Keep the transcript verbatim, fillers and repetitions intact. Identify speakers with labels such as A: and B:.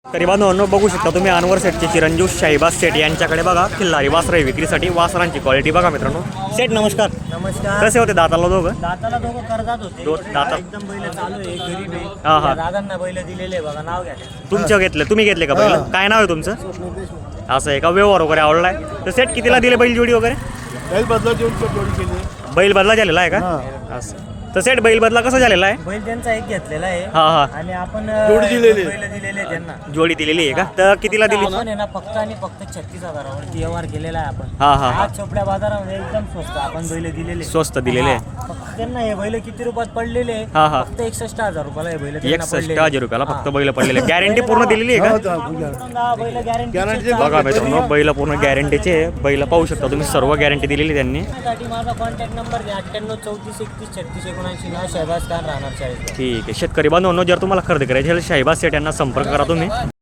A: तरी बांधवांनो बघू शकता तुम्ही अनवर सेटचे चिरंजीव शाहीबाज सेठ यांच्याकडे बघा खिल्लारी वासरे विक्रीसाठी वासरांची क्वालिटी बघा मित्रांनो. सेठ नमस्कार.
B: नमस्कार.
A: कसे होते दाताला दोघं?
B: दाताला दोघं कर्जात होते.
A: दो- दाता-
B: एकदम बैल चालू आहे, गरीब आहे.
A: हा, हा.
B: त्या दादांना बैल दिलेले आहे बघा, नाव घ्या.
A: तुमच्या घेतले तुम्ही घेतले का बैल? काय नाव आहे तुमचं? असं आहे का? व्यवहार वगैरे आवडलाय तर सेठ कितीला दिले बैल जोडी वगैरे?
C: बैल बदला देऊन जोडी केली.
A: बैल बदला झालेला आहे का? असं तर सेठ बैल बदला कसा झालेला आहे?
B: बैल त्यांचा एक घेतलेला आहे
A: हा हा
B: आणि आपण
C: जोडी दिलेली.
B: बैल दिलेले आहे त्यांना.
A: जोडी दिलेली आहे का? तर कितीला दिली?
B: आपण आहे ना फक्त आणि फक्त छत्तीस हजारावरती व्यवहार केलेला आहे आपण.
A: हा हा हा
B: आज चोपड्या बाजारामध्ये एकदम स्वस्त आपण बैल दिलेले.
A: स्वस्त दिलेले आहे.
B: हा. फक्त त्यांना हे बैल किती रुपयात पडलेले आहे?
A: हा हा
B: फक्त एकसष्ट हजार रुपयाला हे बैल त्यांना
A: एकसष्ट
B: पडलेले.
A: हजार रुपयाला फक्त बैल पडलेले. गॅरंटी पूर्ण दिलेली आहे का?
B: हा, बैल गॅरंटी
C: Guarantee
A: बघा मित्रांनो बैल पूर्ण गॅरंटीचे बैल पाहू शकता तुम्ही. सर्व गॅरंटी दिलेली त्यांनी.
B: साठी माझा कॉन्टॅक्ट नंबर घ्या अठ्ठ्याण्णव चौतीस एकतीस छत्तीस एकोणऐंशी नाव शहबाज खान राहणार चाळीस.
A: ठीक आहे. शेतकरी बांधवांनो जर तुम्हाला खरेदी करायची असेल शाहीबाज सेठ यांना संपर्क करा तुम्ही.